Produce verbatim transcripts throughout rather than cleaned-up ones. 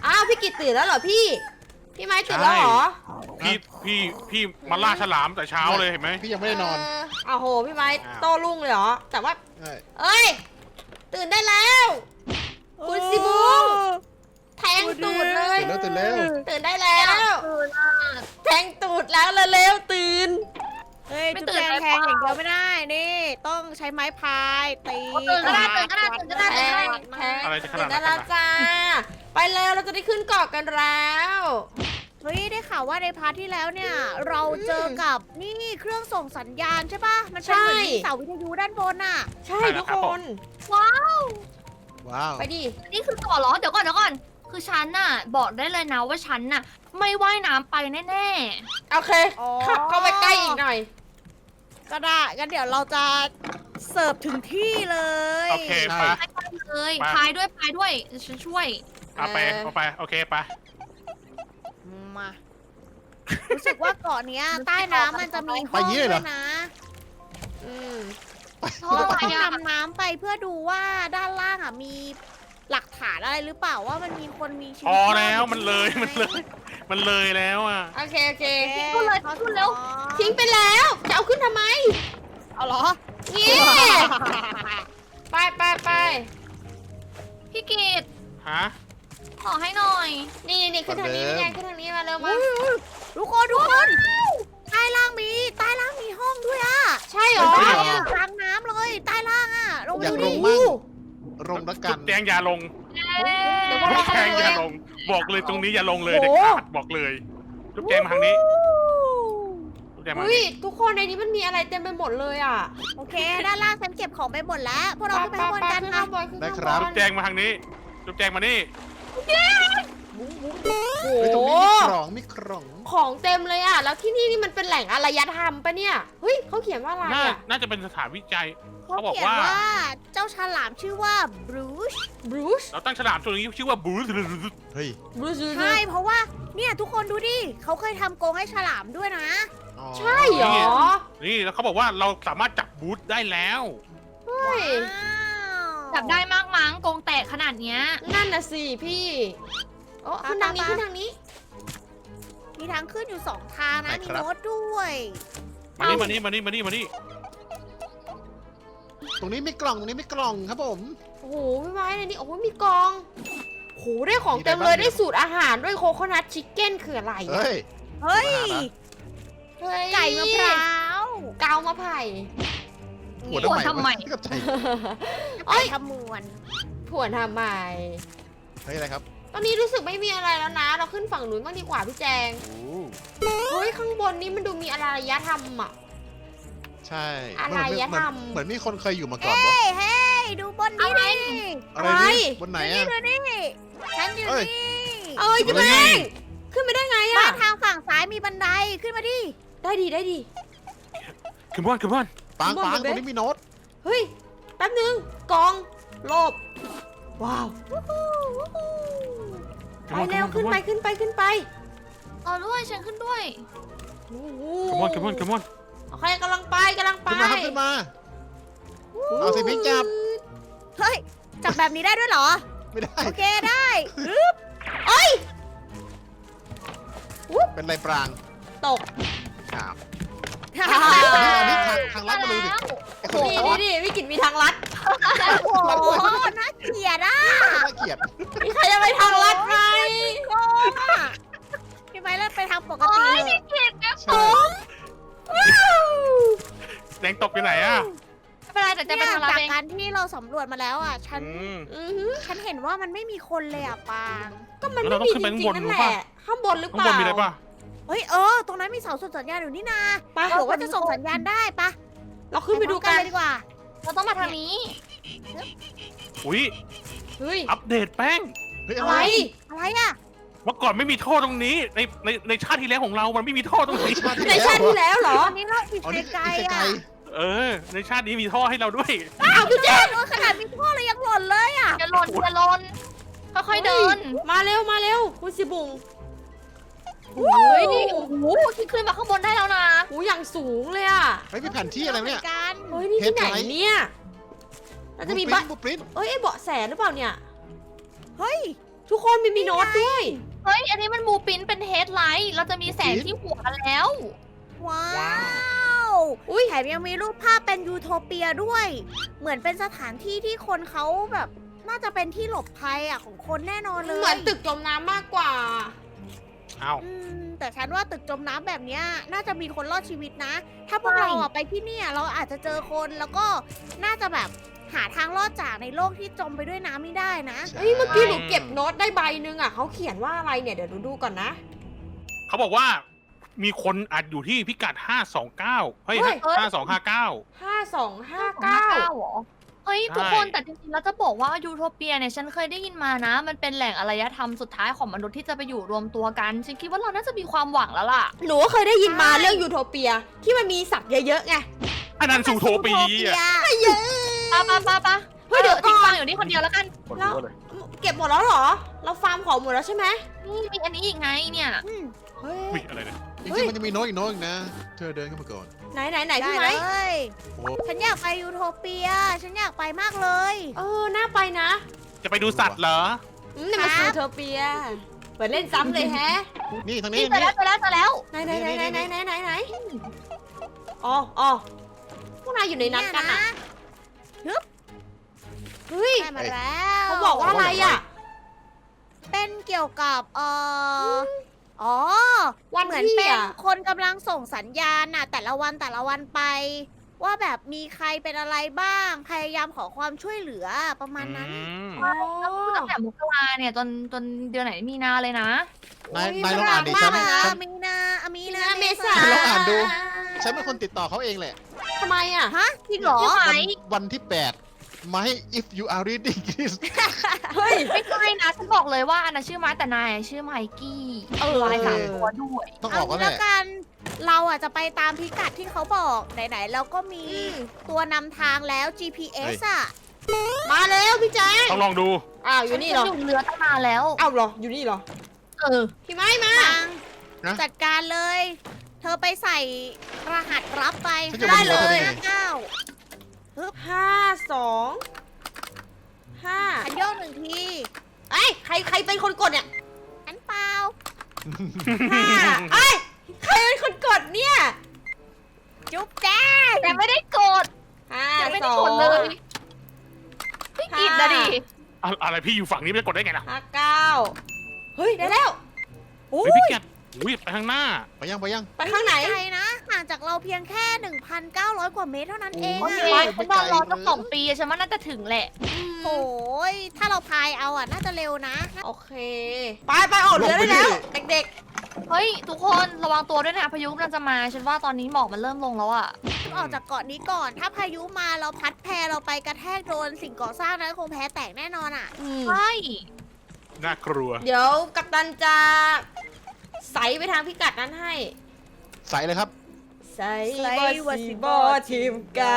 อ้าวพี่กิตตื่นแล้วเหรอพี่พี่ไม้ตื่นแล้วเหรอพี่พี่พี่มาล่าฉลามแต่เช้าเลยเห็นไหมพี่ยังไม่ได้นอนเอ้าวโหพี่ไม้อ้าวโต้รุ่งเลยเหรอแต่ว่าใช่เอ้ยตื่นได้แล้วคุณสิบุงแทงตูดเลยตื่นแล้วตื่นแล้วตื่นได้แล้วตื่นอ่ะแทงตูดแล้วเร็วๆตื่นเฮ้ยไม่จุ๊บตื่นแจงได้แทงเปล่าอย่างเดียวไม่ได้ นี่ ต้องใช้ไม้พายตีตื่นก็ได้ตื่นก็ได้ตื่นก็ได้แทตื่นก็ได้งแทงอะไรจะขตื่นาดนนั้ได้นแล้วจ้าไปแล้วเราจะได้ขึ้นเกาะกันแล้วเฮ้ยได้ข่าวว่าในพาร์ทที่แล้วเนี่ย เราเจอกับนี่เครื่องส่งสัญญาณใช่ปะมันเป็นเหมือนมีเสาวิทยุด้านบนน่ะใช่ทุกคนว้าวว้าวไปดินี่คือต่อเหรอเดี๋ยวก่อนเดี๋ยวก่อนคือฉันน่ะบอกได้เลยนะว่าฉันน่ะไม่ว่ายน้ำไปแน่โอเคอ๋อขับเข้าไปใกล้อีกหน่อยก็ได้งั้นเดี๋ยวเราจะเสิร์ฟถึงที่เลยโอเคไปๆไปเลยพายด้วยพายด้วยฉันช่วยเอาไปเอาไปโอเคไปมารู้สึกว่าเกาะเนี้ยใต้น้ำมันจะมีห้องด้วยนะอืมเพราะเราอะไรต้องอ่ะดำน้ำไปเพื่อดูว่าด้านล่างอ่ะมีหลักฐานอะไรหรือเปล่าว่ามันมีคนมีชีวิพตอรดแล้วยู่มันเลยมันเลย มันเลยแล้วอ่ะโอเคโอเคโอเคพูดเลยพูดเร็วทิ้งไปแล้วจะเอาขึ้นทำไมเอาเหรอนี่ไปไปไปพี่กีดฮะขอให้หน่อยนี่นี่ขึ้นทางนี้เป็นไงขึ้นทางนี้มาเร็วมาทุกคนทุกคนใต้ล่างมีใต้ล่างมีห้องด้วยอ่ะใช่เหรอเฮ้ยอยู่กลางน้ำเลยใต้ล่างอ่ะลงไปอยากดูลดิงมั่งลงละกัจุนดแจงอย่าลงเดี๋ยวพวกจุเราดแจเข้าง ไปอดูย่าเอลงง บอกเลยตรงนี้อย่าลงเลยโอ้เด็ดโหขาดบอกเลยจุดแจงมาทางนี้จุดแจงมาทางอุ้ยนี้ทุกคนในนี้มันมีอะไรเต็มไปหมดเลยอ่ะโอเคด้านล่างฉันเก็บของไปหมดแล้วพวกเราขึ้นไปข้างบนกันขึ้นนะข้างบนขึ้นได้ข้างครับบจุนดแจงมาทางนี้จุดแจงมานี่โอ้เฮ้ยตรงโหนี้มีกล่องมีกล่องของเต็มเลยอ่ะ แล้วที่นี่นี่มันเป็นแหล่งอารยธรรมปะเนี่ย เฮ้ยเขาเขียนว่าอะไรน่าอ่ะน่าจะเป็นสถานวิจัยเขาเขาบอกเขียนว่าว่าเจ้าฉลามชื่อว่าบรูชบรูซเราตั้งฉลามตัวนี้ชื่อว่าบูสเฮ้ยบรูซใช่เพราะว่าเนี่ยทุกคนดูดิเขาเคยทำกรงให้ฉลามด้วยนะอ๋อใช่เหรอนี่แล้วเขาบอกว่าเราสามารถจับบูสได้แล้วเฮ้ยจับได้มากมั้งกรงแตกขนาดเนี้ยนั่นน่ะสิพี่โอ้ขึ้นทางนี้ขึ้นทางนี้มีทางขึ้นอยู่สองทางนะมีโน้ตด้วยมานี่มานี่มานี่มานี่มานี่ตรงนี้มีกล่องตรงนี้มีกล่องครับผมโอ้โหพี่ไม้ในนี้โอ้โหมีกองโอ้โหได้ของเต็มมีเลอะไรยบ้างได้สูตรอาหารด้วยโคโคนัทชิคเก้นคืออะไรอะเฮ้ยเฮ้ยเฮ้ยไก่มะพร้าวเกามะไผ่หัวหัวทำไมกับใจเอ้ไก่ยขมวนผวนทำไมเฮ้ยอะไรครับตอนนี้รู้สึกไม่มีอะไรแล้วนะ เราขึ้นฝั่งนู้นบ้างดีกว่าพี่แจงโอ้เฮ้ยข้างบนนี้มันดูมีอารยธรรมอ่ะใช่อะไรเหมืนอะเหมืนทำเหมือนมีคนเคยอยู่มาก่อนเฮ้ปะยเฮ้ยดูบนนี้ดิอะไรอะไรนี่บนไหนนี่อะดูนี่ฉันอยู่เอ้ยนี่เอ้ยจะแม่งขึ้นไปได้ไงบ้าอ่ะนทางฝั่งซ้ายมีบันไดขึ้นมาดิได้ดีได้ดีขึ้นบ้านขึ้นบ้านปังบนปังเว็ตบรงนี้มีโน้ตเฮ้ยแป๊บนึงกองโลบว้าวไปเร็วขึ้นไปขึ้นไปขึ้นไปเอาด้วยฉันขึ้นด้วยโอ้โหขึ้นบ้านขึ้นบ้านขึ้นบ้านโอเคกำลังไปกำลังไปขึ้นมาครับขึ้นมา เอาสิพิงจับเฮ้ยจับแบบนี้ได้ด้วยเหรอไม่ได้โอเคได้เอ้ยเป็นไรปรางตกอ้าวอ่าอันนี้ทางทางลัดมาเลยดิไอ้คนนี่นี้นี่นี่วิกฤตมีทางลัดโอ้โหน่าเกลียดอ่ะน่าเกลียดมีใครจะไปทางลัดไหมโกงอ่ะพี่ไม้เล่นไปทางปกโอ้ติยเลยพี่กีดนะใช่แดงตกอยู่ไหนอ่ะไม่เป็นไรแต่จะเนี่ยไปทางลัดจากเองการที่เราสำรวจมาแล้วอ่ะ ฉันอืมอือหือฉันเห็นว่ามันไม่มีคนเลยอ่ะปางก็มันแล้วไม่เราต้มีองขึ้นจไปริข้างงบๆนนั่นหรือเปล่าแหละข้างบนหรือเปข้างบล่านมีอะไรป่ะเฮ้ยเออ ตรงนั้นมีเสาส่งสัญญาณอยู่นี่นาไปเผื่อว่าจะส่งสัญญาณได้ปะเราขึ้นไปดูกันเลยดีกว่าเราต้องมาทางนี้อุ้ยเฮ้ยอัปเดตแป้งเฮ้ยอะอะไร ไรอะไรอ่ะเมื่อก่อนไม่มีท่อตรงนี้ ในในในชาติที่แล้วของเรามันไม่มีท่อตรงนี้ในชาติที่แล้วเหรอตอนนี้เราอีกอ๋อนี่ไกลอีกๆไกลอ่ะเออ ในชาตินี้มีท่อให้เราด้วยอ้าวพี่แจ๊คโอ้ยขนาดมีท่อเลยยังหล่นเลยอ่ะอย่าหล่นอย่าหล่นค่อยๆเดินมาเร็วมาเร็วคุณสิบุงเฮ้ยนี่โอ้โหที่ขึ้นมาข้างบนได้แล้วนะโอ้อย่างสูงเลยอ่ะๆเฮ้ยมีแผนที่อะไรเนี่ยหมืกันเฮ้ยนี่ที่ไหนเพชรไลท์เนี่ยเราจะมีบ้านบูปริ้นเอ้ยไอ้เบาะแสหรือเปล่าเนี่ยเฮ้ยทุกคนมีมีโน้ตด้วยเฮ้ย อันนี้มันมูปินเป็นเฮดไลท์ เราจะมีแสงที่หัวแล้วว้าวอุ้ยแถมยังมีรูปภาพเป็นยูโทเปียด้วย เหมือนเป็นสถานที่ที่คนเขาแบบ น่าจะเป็นที่หลบภัยอ่ะของคนแน่นอนเลยเหมือนตึกจมน้ำมากกว่าเอ้าอืมแต่ฉันว่าตึกจมน้ำแบบเนี้ยน่าจะมีคนรอดชีวิตนะ ถ้าพวกเราอะไปที่เนี่ยเราอาจจะเจอคนแล้วก็น่าจะแบบหาทางรอดจากในโลกที่จมไปด้วยน้ำไม่ได้นะเฮ้ยเมื่อกี้หนูเก็บโน้ตได้ใบหนึงอ่ะเขาเขียนว่าอะไรเนี่ยเดี๋ยวหนูดูก่อนนะเขาบอกว่ามีคนอัดอยู่ที่พิกัดห้าสองเก้าเฮ้ยเฮ้ยห้าสองห้าเก้าห้าสองห้าเก้าเก้าเหรอ เฮ้ยใช่ทุกคนแต่จริงๆแล้วจะบอกว่ายูโทเปียเนี่ยฉันเคยได้ยินมานะ มันเป็นแหล่งอารยธรรมสุดท้ายของมนุษย์ที่จะไปอยู่รวมตัวกัน ฉันคิดว่าเราน่าจะมีความหวังแล้วล่ะหนูก็เคยได้ยินมาใช่เรื่องยูโทเปียที่มันมีสัตว์เยอะๆไงอันนั้นสูโทปีซูโทเปียปะปะปะปะเฮ้ยเดี๋ยวก่อนทิ้งฟังอยู่นี่คนเดียวแล้วกันแล้วเก็บหมดแล้วเหรอ เราฟาร์มของหมดแล้วใช่ไหมนี่มีอันนี้อีกไงเนี่ยอืมเฮ้ยอุ้ยอะไรเนี่ยจริงๆมันจะมีโน้ตอีกโน้ตอีกนะ เธอเดินเข้ามาก่อนไหนไหนไหนได้พี่ไหมเลยโอ้ฉันอยากไปยูโทเปีย ฉันอยากไปมากเลยเออน่าไปนะจะไปดูสัตว์เหรออืมนี่มันครัยูบโทเปียเปิดเล่นซ้ำเลยแฮะนี่ทางนี่นี้เจอแล้วเจอแล้วเจอแล้วไหนไหนไหนไหนไหนไหนไหนไหนอ๋ออ๋อพวกนายอยู่ในนั้นกันอ่ะเฮ้ยได้มาแล้วเขาบอกว่าอะไรอ่ะเป็นเกี่ยวกับเอ่ออ๋อวันเหมือนที่เป็นอ่ะคนกำลังส่งสัญญาณน่ะแต่ละวันแต่ละวันไป ว่าแบบมีใครเป็นอะไรบ้าง พยายามขอความช่วยเหลือประมาณนั้นอืมอ๋อตั้งแต่มกราเนี่ยจนจนเดือนไหนมีนาเลยนะนายโอ้ยนายลองอ่านดิมฉักนเลยนะฉันมีนาอามีมีนานาเมษาฉันลองอ่านดู ฉันเป็นคนติดต่อเขาเองแหละทำไมอ่ะฮะจริงเหรอใช่ไหมวันวันที่แปดมาให้ if you are reading this เฮ้ยไม่ใช่นะฉันบอกเลยว่าอันนั้นชื่อไม้แต่นายชื่อไมกี้เออลายสามตัวด้วยต้องอเอาอกก็งี้แหแล้วละกัน เราอ่ะจะไปตามพิกัดที่เขาบอกไหนๆเราก็มีอืมตัวนำทางแล้ว จี พี เอส อ่ะมาแล้วพี่แจ๊คต้องลองดูอ้าวอยู่นี่เหรอฉัอยู่เรือตั้งนานแล้วอ้าวเหรออยู่นี่เหรอเออพี่ไม้มาทางนะจัดการเลย เธอไปใส่รหัสรับไปฉันจะได้มาดูเลว่าย เธอได้ไงเก้าห้าสองห้าฉันโยกหนึ่งทีไอ้ยใครใครเป็นคนกดเนี่ยฉันเปล่าห้าไอ้ยใครเป็นคนกดเนี่ยจุ๊บแจ้งแต่ไม่ได้กดห้าแต่ไม่สได้อกดงเลยพี่กิดนะดิอะอะไรพี่อยู่ฝั่งนี้ไม่ได้กดได้ไงล่ะห้าเก้าเฮ้ยได้แล้วโอ้เฮ้ยยพี่แกอุ้ยไปข้างหน้าไปยังไปยังไปข้างไหนไกลนะห่างจากเราเพียงแค่ หนึ่งพันเก้าร้อย กว่าเมตรเท่านั้นเองโออะเคฉันนอนรอตั้งสองปีฉันว่าน่าจะถึงแหละโอ้ยถ้าเราพายเอาอ่ะ น่าจะเร็วนะโอเค ไปไปออกเรือได้แล้ว เด็กเฮ้ย ทุกคนระวังตัวด้วยนะพายุกำลังจะมา ฉันว่าตอนนี้หมอกมันเริ่มลงแล้วอะออกจากเกาะนี้ก่อน ถ้าพายุมาเราพัดแพเราไปกระแทกโดนสิ่งก่อสร้างนั้นคงแพ้แตกแน่นอนอ่ะๆอืมใช่น่ากลัวเดี๋ยวกัปตันจะใส่ไปทางพิกัดนั้นให้ใส่เลยครับใส่ใส่บอว่าสีสิบอทีมกัน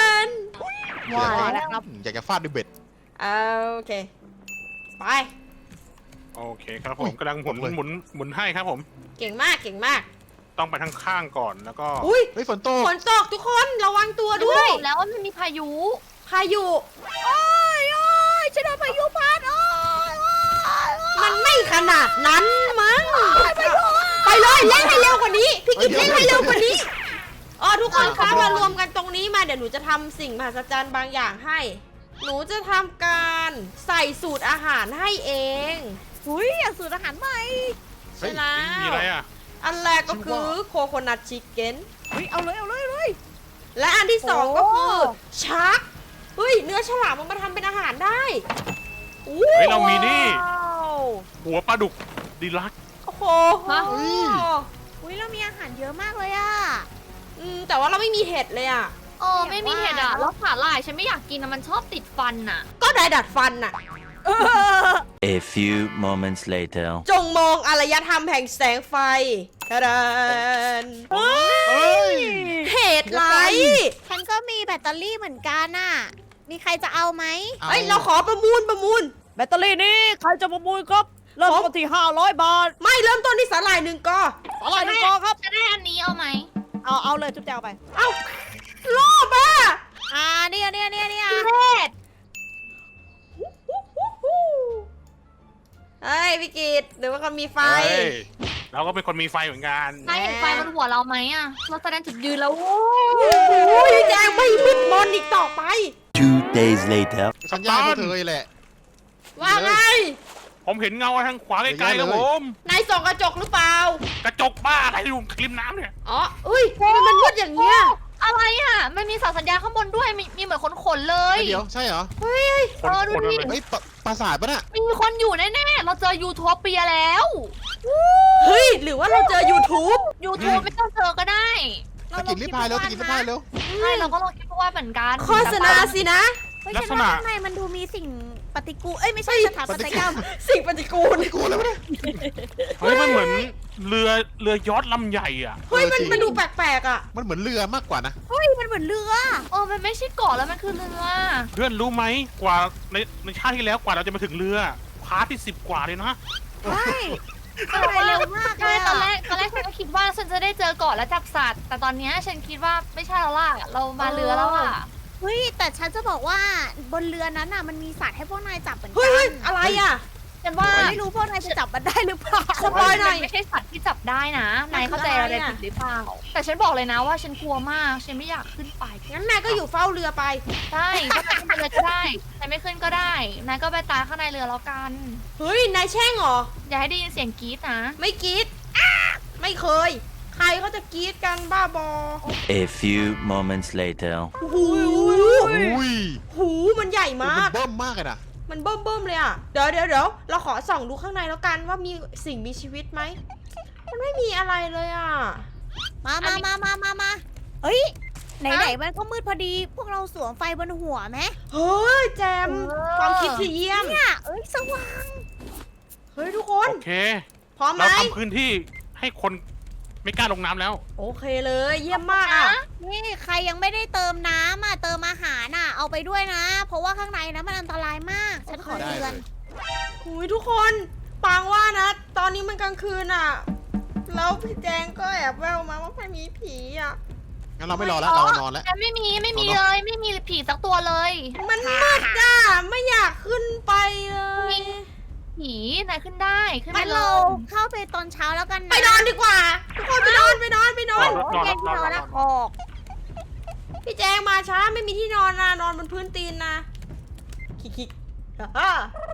ว่าแล้วครับอยากจะฟาดด้วยเบ็ดโอเค ไปโอเคครับผมกำลังหมุนเลยหมุนหมุนให้ครับผมเก่งมากเก่งมากต้องไปทางข้างก่อนแล้วก็อุ้ยเฮ้ยฝนตกฝนตกทุกคนระวังตัวฉันด้บวยอกแล้วว่ามันมีพายุพายุโอ้ยโอ้ยฉันโดนพายุพัดโอ้ยโอ้ยโอ้ยมันไม่ขนาดนั้นมั้งไปเลยเล่นให้เร็วกว่านี้ พี่กิฟเล่นให้เร็วกว่านี้อ๋อทุกคนคะมารวมกันตรงนี้มาเดี๋ยวหนูจะทำสิ่งมหัศจรรย์บางอย่างให้ หนูจะทำการใส่สูตรอาหารให้เองอุ้ยอยากสูตรอาหารใหม่ใช่แล้มีวอะไรอ่ะอันแรกก็คือโคโคนัทชิคเก้นอุ้ยเอาเลยเอาเลยเอาเลยและอันที่สองโอ้ก็คือชักเฮ้ยเนื้อฉลามมันมาทำเป็นอาหารได้อู้เฮ้ยเรามีนี่ว้าวหัวปลาดุกดีลักซ์โอ้โหฮะอุ้ยเรามีอาหารเยอะมากเลยอ่ะอืมแต่ว่าเราไม่มีเห็ดเลยอ่ะเออไม่มีเห็ดอะแล้วขาลายฉันไม่อยากกินอะมันชอบติดฟันอะก็ได้ดัดฟันน่ะ A few moments later. จงมองอารยธรรมแห่งแสงไฟทะดานเฮ้ยเฮ้ยเห็ดไรฉันก็มีแบตเตอรี่เหมือนกันน่ะ มีใครจะเอาไหมเฮ้ยเราขอประมูลประมูลแบตเตอรี่นี้ใครจะประมูลครับ เริ่มต้นที่ห้าร้อยบาทไม่เริ่มต้นที่สาหร่ายหนึ่งกออะไรหนึ่งกอครับจะได้อันนี้เอาไหมเอาเอาเลยจุ๊บแจวไปเอ้าโลภอ่ะอ่าเนี่ยเนี่ยเนี่ยเนี่ยเห็ดเฮ้ยพี่กิตหรือว่าเขามีไฟเฮ้ยเราก็เป็นคนมีไฟเหมือนกันนายเห็นไฟบนหัวเราไหมอะเราแสดงจุดยืนแล้วโว้โอ้ยแจงไม่มืดมนอีกต่อไป Two days later. ฉันย่าพวกเธอแหละว่าไงผมเห็นเงาทางขวาไกลๆครับผมนายส่องกระจกหรือเปล่ากระจกบ้าอะไรอยู่ริมน้ำเนี่ยอ๋ออุ้ยทำไมมันมืดอย่างเงี้ยอะไรอะมันมีเสาสัญญาณข้างบนด้วยมีมีเหมือนคนขนๆเลยเดี๋ยวใช่เหรอคนเออดูคนดิอะไรเฮ้ยปะปราสาทปะน่ะมีคนอยู่แน่ๆเราเจอยูโทเปียแล้วเฮ้ยหรือว่าเราเจอ YouTube ยูทูบไม่ต้องเจอก็ได้ตะกินรีบพายเร็วตะกินรีบพายเร็วใช่เราก็ลองคิดว่าเหมือนกันโฆษณาสินะเฮ้ยฉันว่าข้างในมันดูมีสิ่งปฏิกูลเอ้ยไม่ใช่สถาปัตยกรรมสิ่งปฏิกูลไม่กลัวแล้วเนี่ยเฮ้ยมันเหมือนเรือเรือยอชต์ลำใหญ่อ่ะเฮ้ยมันเออจริงมันดูแปลกๆอ่ะมันเหมือนเรือมากกว่านะเฮ้ยมันเหมือนเรือเออมันไม่ใช่เกาะแล้วมันคือเรือเพื่อนรู้ไหมกว่าในในชาติที่แล้วกว่าเราจะมาถึงเรือพาร์ทที่สิบกว่าเลยนะใช่ไปเร็วมากเลใช่ยตอนแรอะกตอนแรกฉันก็คิดว่าฉันจะได้เจอเกาะและจับสัตว์ แต่ตอนเนี้ยฉันคิดว่าไม่ใช่แล้วล่ะเรามาเรือแล้วล่ะเฮ้ยแต่ฉันจะบอกว่าบนเรือนั้นน่ะมันมีสัตว์ให้พวกนายจับเหมือนกัเฮ้ยเฮ้ยอะไรอ่ะฉันว่าแต่ไม่รู้พวกนายจะจับมันได้หรือเปล่าสปอยหน่อยมันไม่ใช่สัตว์ที่จับได้นะมันนายเข้าใจคืออะอะไรไรอะผิดหรือเปล่า แต่ฉันบอกเลยนะว่าฉันกลัวมาก ฉันไม่อยากขึ้นไปงั้นนายก็อยู่เฝ้าเรือไปใช่ก็ไปขึ้นไปเลยก็ได้นายไม่ขึ้นก็ได้ นายก็ไปตายข้างในเรือแล้วกันเฮ้ยนายแช่งเหรออย่าให้ได้ยินเสียงกรี๊ดนะไม่กรีดไม่เคย ใครเขาจะกรีดกันบ้าบอ A few moments later. หูอุ้ยหูมันใหญ่มันมากเบิ่มมากเลยนะมันเบิ่มเบิ่มๆเลยอ่ะ เดี๋ยวเดี๋ยวเดี๋ยวเราขอส่องดูข้างในแล้วกันว่ามีสิ่งมีชีวิตไหม มันไม่มีอะไรเลยอ่ะมามามามามามาเฮ้ยไหนๆมันก็มืดพอดี พวกเราสวมไฟบนหัวไหมเฮ้ยแจม ความคิดที่เยี่ยมเนี่ยเอ้ยสว่างเฮ้ยทุกคนโอเคพร้อมไหมเราทำพื้นที่ให้คนไม่กล้าลงน้ำแล้วโอเคเลย เยี่ยมมากอ่ะนี่ใครยังไม่ได้เติมน้ำอ่ะเติมอาหารอ่ะเอาไปด้วยนะ เพราะว่าข้างในนะมันอันตรายมาก ฉันขอได้เตืเลอนยหุยทุกคนปางว่านะ ตอนนี้มันกลางคืนอ่ะ แล้วพี่แจงก็แอบแววมาว่ามันมีผีอ่ะงั้นเราไม่รอแล้วเรานอนแล้วแต่ไม่มีไม่มีเลยไม่มีผีสักตัวเลยมันมืดอ่ะ ไม่อยากขึ้นไปเลยผีนายขึ้นได้ขึ้นไปงั้นเลเรายเข้าไปตอนเช้าแล้วกันนะไปนอนดีกว่า ทุกคนไปนอนไปนอนไปนอนนอนโอเคที่นอนแล้วออกพี่แจงมาช้าไม่มีที่นอนนะนอนบนพื้นตีนนะคิกคิกฮ่าฮ่า